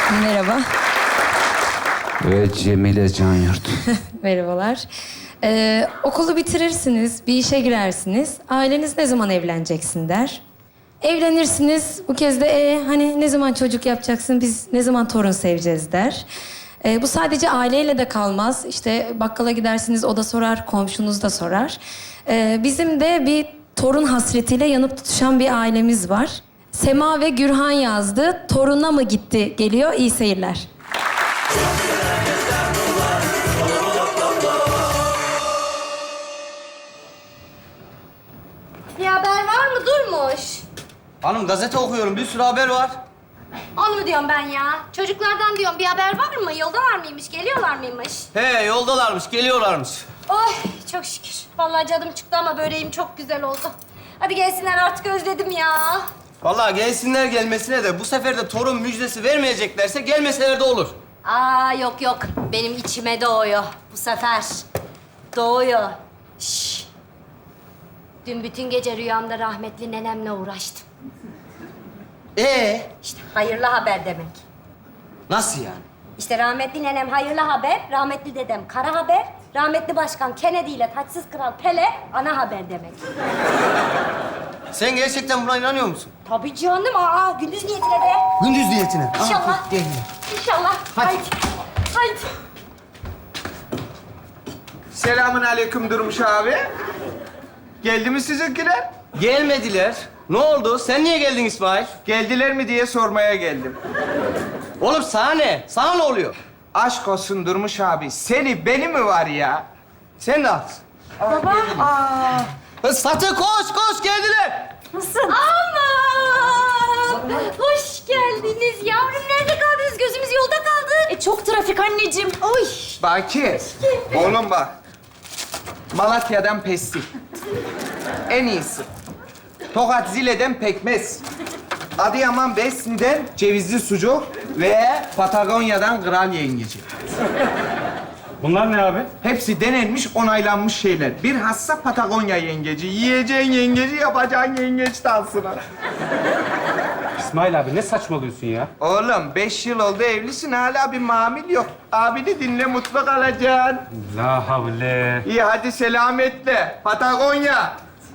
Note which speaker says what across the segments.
Speaker 1: Merhaba.
Speaker 2: Ve Cemile Canyurt.
Speaker 1: Merhabalar. Okulu bitirirsiniz, bir işe girersiniz. Aileniz ne zaman evleneceksin der. Evlenirsiniz, bu kez de hani ne zaman çocuk yapacaksın, biz ne zaman torun seveceğiz der. Bu sadece aileyle de kalmaz. İşte bakkala gidersiniz, o da sorar, komşunuz da sorar. Bizim de bir torun hasretiyle yanıp tutuşan bir ailemiz var. Sema ve Gürhan yazdı. Toruna mı gitti? Geliyor, iyi seyirler.
Speaker 3: Bir haber var mı Durmuş?
Speaker 4: Hanım gazete okuyorum. Bir sürü haber var.
Speaker 3: Onu mu diyorum ben ya? Çocuklardan diyorum bir haber var mı? Yoldalar mıymış? Geliyorlar mıymış?
Speaker 4: He yoldalarmış, geliyorlarmış.
Speaker 3: Oy çok şükür. Vallahi canım çıktı ama böreğim çok güzel oldu. Hadi gelsinler artık özledim ya.
Speaker 4: Vallahi gelsinler gelmesine de bu sefer de torun müjdesi vermeyeceklerse gelmeseler de olur.
Speaker 3: Aa yok yok. Benim içime doğuyor bu sefer. Doğuyor. Şş. Dün bütün gece rüyamda rahmetli nenemle uğraştım. İşte hayırlı haber demek.
Speaker 4: Nasıl yani?
Speaker 3: İşte rahmetli nenem hayırlı haber, rahmetli dedem kara haber, rahmetli başkan Kennedy ile taçsız kral Pele ana haber demek.
Speaker 4: Sen gerçekten buna inanıyor musun?
Speaker 3: Tabii canım, gündüz niyetine de.
Speaker 4: Gündüz niyetine.
Speaker 3: İnşallah.
Speaker 4: Gel.
Speaker 3: İnşallah.
Speaker 4: Hadi.
Speaker 3: Haydi.
Speaker 5: Selamun aleyküm Durmuş abi. Geldi mi sizinkiler?
Speaker 4: Gelmediler. Ne oldu? Sen niye geldin İsmail?
Speaker 5: Geldiler mi diye sormaya geldim.
Speaker 4: Oğlum sana ne? Sana ne oluyor?
Speaker 5: Aşk olsun Durmuş abi. Seni beni mi var ya?
Speaker 4: Sen de haklısın.
Speaker 3: Baba.
Speaker 4: Satı koş geldiler.
Speaker 3: Nasılsın? Aman! Hoş geldiniz yavrum. Nerede kaldınız? Gözümüz yolda kaldı. Çok trafik anneciğim. Oy.
Speaker 5: Baki, oğlum bak. Malatya'dan pestil. En iyisi. Tokat Zile'den pekmez. Adıyaman Besni'den cevizli sucuk ve Patagonya'dan kral yengeci.
Speaker 6: Bunlar ne abi?
Speaker 5: Hepsi denenmiş, onaylanmış şeyler. Bilhassa Patagonya yengeci. Yiyeceğin yengeci, yapacağın yengeç dansını.
Speaker 6: İsmail abi ne saçmalıyorsun ya?
Speaker 5: Oğlum 5 yıl oldu evlisin, hala bir mamil yok. Abini dinle, mutlu kalacaksın.
Speaker 6: La havle.
Speaker 5: İyi hadi selametle. Patagonya.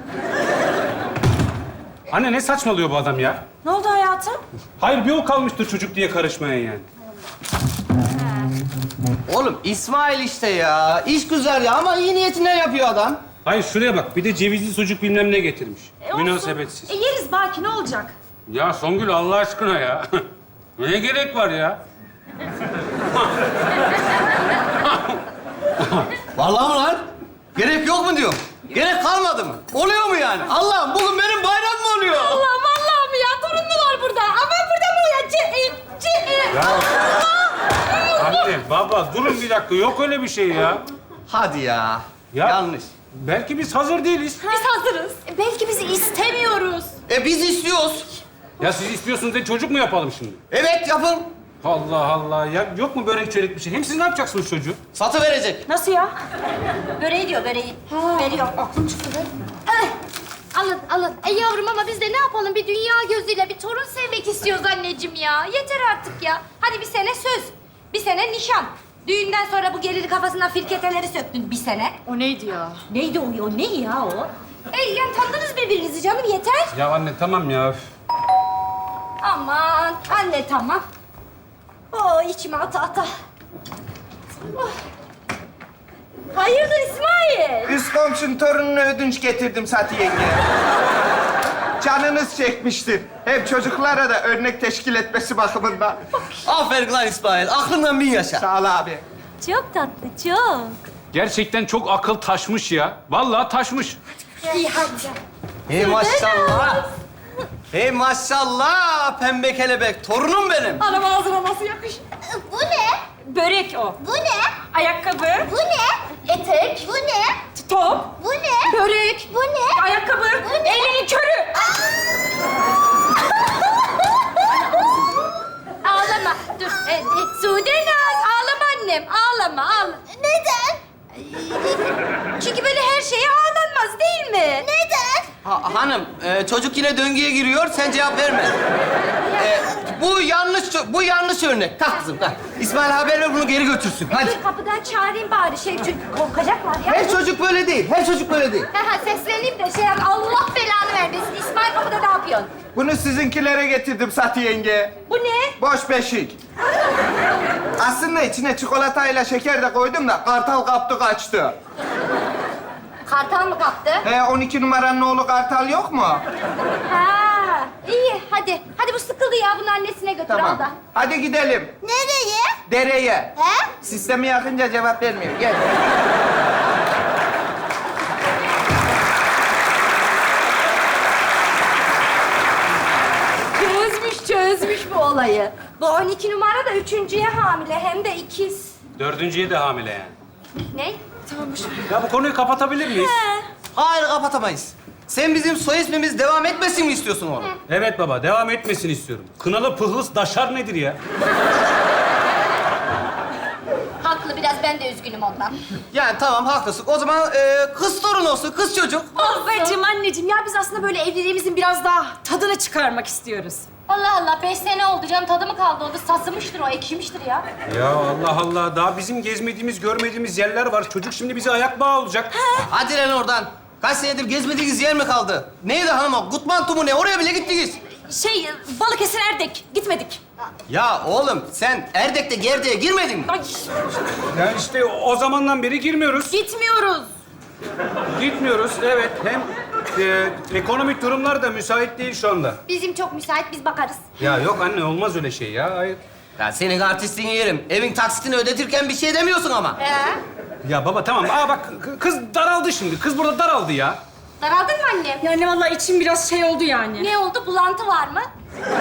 Speaker 6: Anne ne saçmalıyor bu adam ya?
Speaker 3: Ne oldu hayatım?
Speaker 6: Hayır bir o kalmıştır çocuk diye karışmaya yani.
Speaker 4: Oğlum İsmail işte ya. İş güzel ya ama iyi niyetinden yapıyor adam.
Speaker 6: Hayır şuraya bak bir de cevizli sucuk bilmem ne getirmiş. Münasebetsiz.
Speaker 3: Yeriz Baki, ne olacak?
Speaker 6: Ya Songül Allah aşkına ya. Ne gerek var ya?
Speaker 4: Vallahi mı lan? Gerek yok mu diyorum? Gerek kalmadı mı? Oluyor mu yani? Allah'ım bugün benim bayram mı oluyor?
Speaker 3: Allah vallahi mi ya? Torun mu var burada? Ama burada mı ya?
Speaker 6: Ya. Anne baba durun bir dakika yok öyle bir şey ya.
Speaker 4: Hadi ya.
Speaker 6: Ya.
Speaker 4: Yanlış.
Speaker 6: Belki biz hazır değiliz.
Speaker 3: Biz hazırız. Belki bizi istemiyoruz.
Speaker 4: Biz istiyoruz.
Speaker 6: Ya siz istiyorsunuz diye çocuk mu yapalım şimdi?
Speaker 4: Evet yapın.
Speaker 6: Allah Allah ya yok mu börek çörek bir şey? Hem siz ne yapacaksınız çocuğu?
Speaker 4: Satı verecek.
Speaker 3: Nasıl ya? Böreği diyor, böreği. Veriyor. Aklım çıktı be. Alın. Yavrum ama biz de ne yapalım? Bir dünya gözüyle bir torun sevmek istiyoruz anneciğim ya. Yeter artık ya. Hadi bir sene söz. Bir sene nişan. Düğünden sonra bu geliri kafasından firketeleri söktün bir sene.
Speaker 7: O neydi ya?
Speaker 3: Neydi o? O ne ya o? Yani tanıdınız birbirinizi canım, yeter.
Speaker 6: Ya anne tamam ya.
Speaker 3: Aman anne tamam. İçime ata. Oh. Hayırdır İsmail?
Speaker 5: Üst komşun torununa ödünç getirdim Sati yenge. Canınız çekmiştir. Hem çocuklara da örnek teşkil etmesi bakımından.
Speaker 4: Aferin lan İsmail. Aklından bin yaşa.
Speaker 5: Sağ ol abi.
Speaker 3: Çok tatlı, çok.
Speaker 6: Gerçekten çok akıl taşmış ya. Vallahi taşmış.
Speaker 3: İyi hadi.
Speaker 4: Hey maşallah. Hey maşallah. Pembe kelebek. Torunum benim.
Speaker 3: Anam ağzına nasıl yakışır?
Speaker 7: Bu ne?
Speaker 3: Börek o.
Speaker 7: Bu ne?
Speaker 3: Ayakkabı.
Speaker 7: Bu ne?
Speaker 3: Etek.
Speaker 7: Bu ne?
Speaker 3: Top.
Speaker 7: Bu ne?
Speaker 3: Börek.
Speaker 7: Bu ne?
Speaker 3: Ayakkabı.
Speaker 7: Bu ne?
Speaker 3: Elinin körü. Ağlama. Dur. Sude Naz. Ağlama annem. Ağlama.
Speaker 7: Neden?
Speaker 3: Çünkü böyle her şeye ağlanmaz değil mi?
Speaker 7: Neden?
Speaker 4: Hanım, çocuk yine döngüye giriyor. Sen cevap verme. Bu yanlış örnek. Tak kızım, tak. İsmail haber ver, bunu geri götürsün. Hadi.
Speaker 3: Dur kapıdan çağırayım bari çünkü korkacaklar ya.
Speaker 4: Her çocuk böyle değil, her çocuk böyle değil.
Speaker 3: Sesleneyim de Allah belanı vermesin. İsmail kapıda ne yapıyorsun?
Speaker 5: Bunu sizinkilere getirdim Sati yenge.
Speaker 3: Bu ne?
Speaker 5: Boş beşik. Aslında içine çikolatayla şeker de koydum da kartal kaptı kaçtı.
Speaker 3: Kartal mı kaptı?
Speaker 5: 12 numaranın oğlu Kartal yok mu?
Speaker 3: Ha, iyi hadi. Hadi bu sıkıldı ya, bunu annesine götür al
Speaker 5: Tamam.
Speaker 3: da.
Speaker 5: Hadi gidelim.
Speaker 7: Nereye?
Speaker 5: Dereye.
Speaker 7: He?
Speaker 5: Sistemi yakınca cevap vermiyor. Gel.
Speaker 3: Çözmüş bu olayı. Bu 12 numara da 3.'ye hamile, hem de ikiz.
Speaker 6: 4.'ye de hamile yani.
Speaker 3: Ne?
Speaker 6: Ya bu konuyu kapatabilir miyiz?
Speaker 4: Hayır, kapatamayız. Sen bizim soy ismimiz devam etmesin mi istiyorsun oğlum?
Speaker 6: Evet baba, devam etmesini istiyorum. Kınalı pıhlıs daşar nedir ya?
Speaker 3: Haklı, biraz ben de üzgünüm ondan.
Speaker 4: Yani tamam, haklısın. O zaman kız torun olsun, kız çocuk.
Speaker 8: Babacığım, anneciğim ya biz aslında böyle evliliğimizin biraz daha tadını çıkarmak istiyoruz.
Speaker 3: Allah Allah, 5 sene oldu canım, tadı mı kaldı oldu? Sasımıştır o, ekşimiştir ya.
Speaker 6: Ya Allah Allah, daha bizim gezmediğimiz, görmediğimiz yerler var. Çocuk şimdi bize ayak bağı olacak.
Speaker 4: Hadi lan oradan. Kaç senedir gezmediğiniz yer mi kaldı? Neydi hanım o? Gutmantu mu ne? Oraya bile gittiniz.
Speaker 8: Balıkesir Erdek, gitmedik.
Speaker 4: Ya oğlum, sen Erdek'te Gerde'ye girmedin mi?
Speaker 8: Ay,
Speaker 6: Ya işte o zamandan beri girmiyoruz.
Speaker 8: gitmiyoruz.
Speaker 6: Gitmiyoruz, evet. Hem ekonomik durumlar da müsait değil şu anda.
Speaker 3: Bizim çok müsait, biz bakarız.
Speaker 6: Ya yok anne, olmaz öyle şey ya. Hayır.
Speaker 4: Ya senin artistliğini yerim. Evin taksitini ödetirken bir şey demiyorsun ama.
Speaker 6: Ya baba tamam. Bak kız daraldı şimdi. Kız burada daraldı ya.
Speaker 3: Daraldın mı annem?
Speaker 8: Yani vallahi içim biraz şey oldu yani.
Speaker 3: Ne oldu? Bulantı var mı?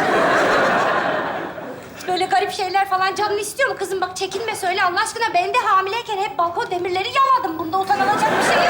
Speaker 3: Böyle garip şeyler falan canını istiyor mu kızım? Bak çekinme, söyle Allah aşkına. Ben de hamileyken hep balkon demirleri yaladım. Bunda utanılacak bir şey yok.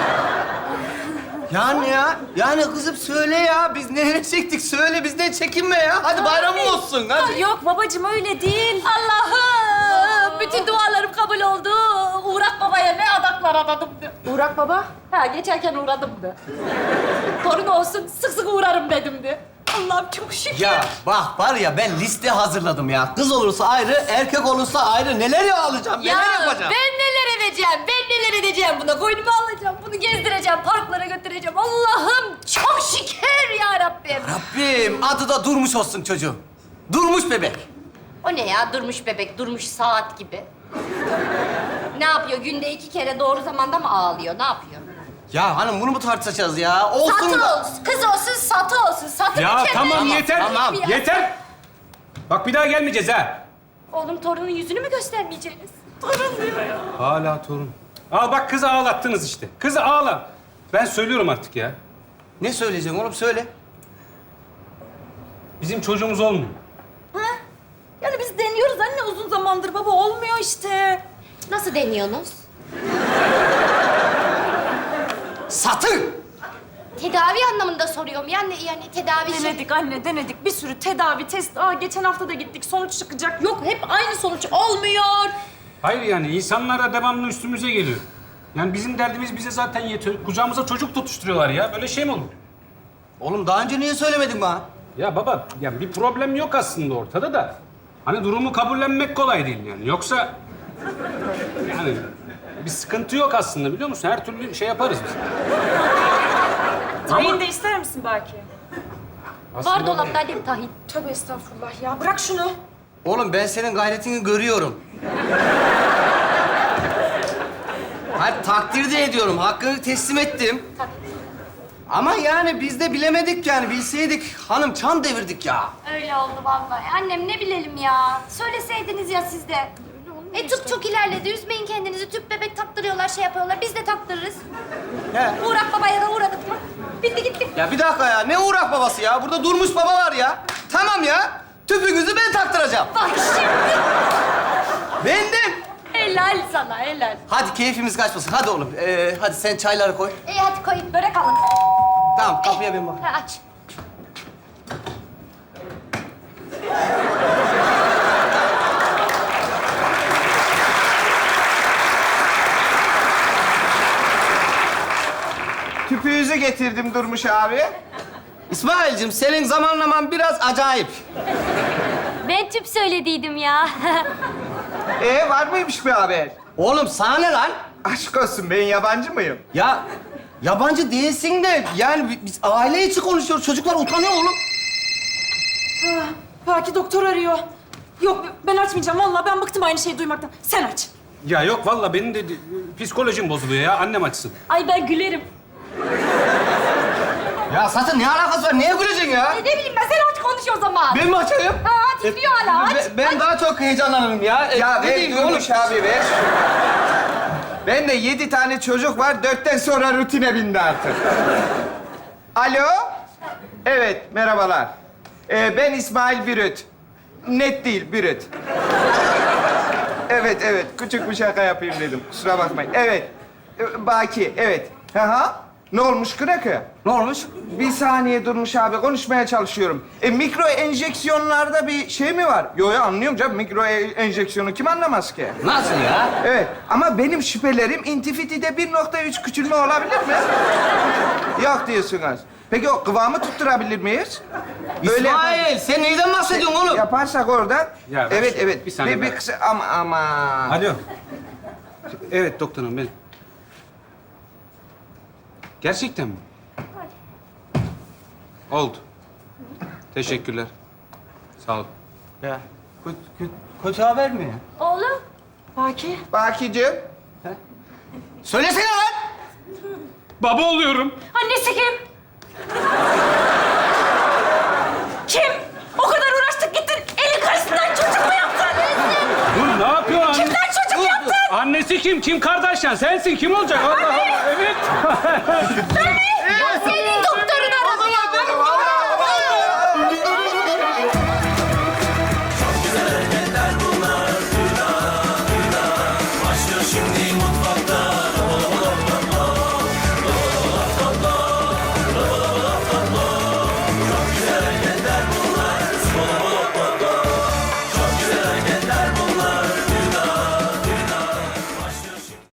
Speaker 4: Yani ya, yani kızım söyle ya. Biz nereye çektik? Söyle, bizden çekinme ya. Hadi bayramın olsun, hadi.
Speaker 8: Yok babacığım öyle değil.
Speaker 3: Allah'ım! Bütün dualarım kabul oldu. Uğrak babaya ne adaklar adadım de.
Speaker 8: Burak baba.
Speaker 3: Ha, geçerken uğradım de. Torun olsun, sık sık uğrarım dedim de. Allah'ım çok şükür.
Speaker 4: Ya bak var ya, ben liste hazırladım ya. Kız olursa ayrı, erkek olursa ayrı. Neler ya alacağım, neler yapacağım.
Speaker 3: ben neler edeceğim, ben neler edeceğim buna. Koynuma alacağım, bunu gezdireceğim, parklara götüreceğim. Allah'ım çok şükür ya Rabbim.
Speaker 4: Rabbim, adı da Durmuş olsun çocuğum. Durmuş bebek.
Speaker 3: O ne ya, durmuş bebek, durmuş saat gibi. Ne yapıyor, günde 2 kere doğru zamanda mı ağlıyor, ne yapıyor?
Speaker 4: Ya hanım, bunu mu tartışacağız ya? Olsun
Speaker 3: Satı
Speaker 4: da...
Speaker 3: olsun, kız olsun, satı olsun. Satı
Speaker 6: Ya
Speaker 3: bir kere.
Speaker 6: tamam yeter.
Speaker 4: tamam.
Speaker 6: Yeter. Bak bir daha gelmeyeceğiz ha.
Speaker 3: Oğlum torunun yüzünü mü göstermeyeceğiniz? Torun diyor ya.
Speaker 6: Hala torun. Al bak kızı ağlattınız işte. Kızı ağla. Ben söylüyorum artık ya.
Speaker 4: Ne söyleyeceksin oğlum, söyle.
Speaker 6: Bizim çocuğumuz olmuyor.
Speaker 8: Yani biz deniyoruz anne uzun zamandır baba olmuyor işte.
Speaker 3: Nasıl deniyorsunuz?
Speaker 4: Satı!
Speaker 3: Tedavi anlamında soruyorum. Yani tedavi şey...
Speaker 8: Denedik anne denedik. Bir sürü tedavi, test. Geçen hafta da gittik. Sonuç çıkacak. Yok hep aynı sonuç olmuyor.
Speaker 6: Hayır yani insanlara devamlı üstümüze geliyor. Yani bizim derdimiz bize zaten yetiyor. Kucağımıza çocuk tutuşturuyorlar ya. Böyle şey mi olur?
Speaker 4: Oğlum daha önce niye söylemedin bana?
Speaker 6: Ya baba, ya bir problem yok aslında ortada da. Hani durumu kabullenmek kolay değil yani. Yoksa... Yani bir sıkıntı yok aslında biliyor musun? Her türlü şey yaparız biz.
Speaker 8: Tayin de ister misin belki?
Speaker 3: Var dolapta annem tahin.
Speaker 8: Tövbe estağfurullah ya. Bırak şunu.
Speaker 4: Oğlum ben senin gayretini görüyorum. Hayır, takdir de ediyorum. Hakkını teslim ettim. Ama yani biz de bilemedik yani. Bilseydik hanım, çan devirdik ya.
Speaker 3: Öyle oldu vallahi. Annem ne bilelim ya. Söyleseydiniz ya siz de. Tıp çok ilerledi. Üzmeyin kendinizi. Tüp bebek taktırıyorlar, şey yapıyorlar. Biz de taktırırız.
Speaker 4: He.
Speaker 3: Uğrak babaya da uğradık mı? Bitti gitti.
Speaker 4: Ya bir dakika ya. Ne uğrak babası ya? Burada Durmuş baba var ya. Tamam ya. Tüpünüzü ben taktıracağım.
Speaker 3: Bak şimdi.
Speaker 4: Bendim.
Speaker 3: Helal sana, helal.
Speaker 4: Hadi keyfimiz kaçmasın. Hadi oğlum. Hadi sen çayları koy.
Speaker 3: İyi hadi koyun, börek alın.
Speaker 4: Tamam, kapıya ben bak.
Speaker 3: Ha, aç.
Speaker 5: Tüpüğünüzü getirdim Durmuş abi.
Speaker 4: İsmail'cim senin zamanlaman biraz acayip.
Speaker 3: Ben tüp söylediydim ya.
Speaker 5: Var mıymış bir haber?
Speaker 4: Oğlum sana ne lan?
Speaker 5: Aşk olsun, ben yabancı mıyım?
Speaker 4: Ya yabancı değilsin de yani biz aile içi konuşuyoruz. Çocuklar utanıyor oğlum.
Speaker 8: Belki doktor arıyor. Yok ben açmayacağım. Vallahi ben bıktım aynı şeyi duymaktan. Sen aç.
Speaker 6: Ya yok vallahi benim de psikolojim bozuluyor ya. Annem açsın.
Speaker 8: Ay ben gülerim.
Speaker 4: Ya zaten ne alakası var? Neye güleceksin ya?
Speaker 3: Ne bileyim ben, sen aç konuş o zaman.
Speaker 4: Ben mi açayım?
Speaker 3: Ha, titriyor hala, aç.
Speaker 4: Ben daha çok heyecanlanırım ya.
Speaker 5: Ya
Speaker 4: Ne
Speaker 5: ver
Speaker 4: diyeyim oğlum?
Speaker 5: Durmuş abi ver. Ben de 7 tane çocuk var, 4'ten sonra rutine bindi artık. Alo? Evet, merhabalar. Ben İsmail Bürüt. Net değil, Bürüt. Evet, küçük bir şaka yapayım dedim. Kusura bakmayın. Evet, Baki, evet. Hı. Ne olmuş Kırakı?
Speaker 4: Ne olmuş?
Speaker 5: Bir saniye Durmuş abi, konuşmaya çalışıyorum. Mikro enjeksiyonlarda bir şey mi var? Yo anlıyorum canım, mikro enjeksiyonu kim anlamaz ki?
Speaker 4: Nasıl ya?
Speaker 5: Evet ama benim şüphelerim intifitide 1.3 küçülme olabilir mi? Yok diyorsunuz. Peki o kıvamı tutturabilir miyiz?
Speaker 4: İsmail sen neyden bahsediyorsun oğlum?
Speaker 5: Yaparsak orada...
Speaker 6: Ya ver
Speaker 5: evet,
Speaker 6: şu- bir saniye ver.
Speaker 5: kısa ama...
Speaker 6: Alo. Evet doktorum ben. Gerçekten mi? Oldu. Teşekkürler. Sağ ol.
Speaker 4: Ya kötü haber mi ya?
Speaker 3: Oğlum.
Speaker 8: Baki.
Speaker 5: Bakicim.
Speaker 4: Söylesene lan!
Speaker 6: Baba oluyorum.
Speaker 8: Annesi kim? Kim? O kadar uğraştık gittin. Elin karşısından çocuk mu yaptın?
Speaker 6: Dur ne yapıyorsun?
Speaker 8: Kimden çocuk yaptın?
Speaker 6: Annesi kim? Kim Kardashian? Sensin. Kim olacak? Allah Allah. Evet.